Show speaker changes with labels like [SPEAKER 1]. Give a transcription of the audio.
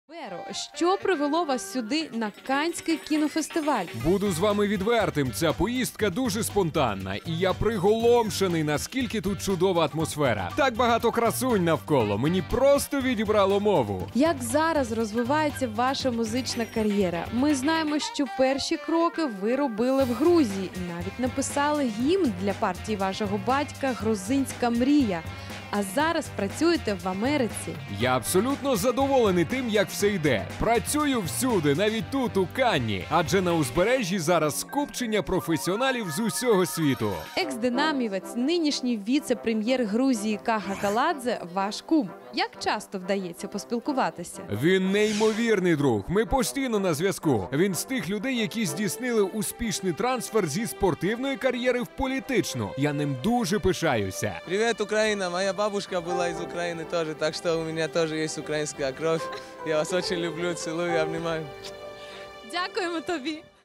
[SPEAKER 1] Веро, що привело вас сюди на Каннський кінофестиваль?
[SPEAKER 2] Буду з вами відвертим, ця поїздка дуже спонтанна, і я приголомшений, наскільки тут чудова атмосфера. Так багато красунь навколо, мені просто відібрало мову.
[SPEAKER 1] Як зараз розвивається ваша музична кар'єра? Ми знаємо, що перші кроки ви робили в Грузії. Навіть написали гімн для партії вашого батька «Грузинська мрія». А зараз працюєте в Америці.
[SPEAKER 2] Я абсолютно задоволений тим, як все йде. Працюю всюди, навіть тут, у Канні. Адже на узбережжі зараз скупчення професіоналів з усього світу.
[SPEAKER 1] Екс-динамівець, нинішній віце-прем'єр Грузії Каха Каладзе – ваш кум. Як часто вдається поспілкуватися?
[SPEAKER 2] Він неймовірний друг. Ми постійно на зв'язку. Він з тих людей, які здійснили успішний трансфер зі спортивної кар'єри в політичну. Я ним дуже пишаюся.
[SPEAKER 3] Привет, Украина! Моя бабушка была из Украины тоже, так что у меня тоже есть украинская кровь. Я вас очень люблю, целую и обнимаю.
[SPEAKER 1] Дякуємо тобі!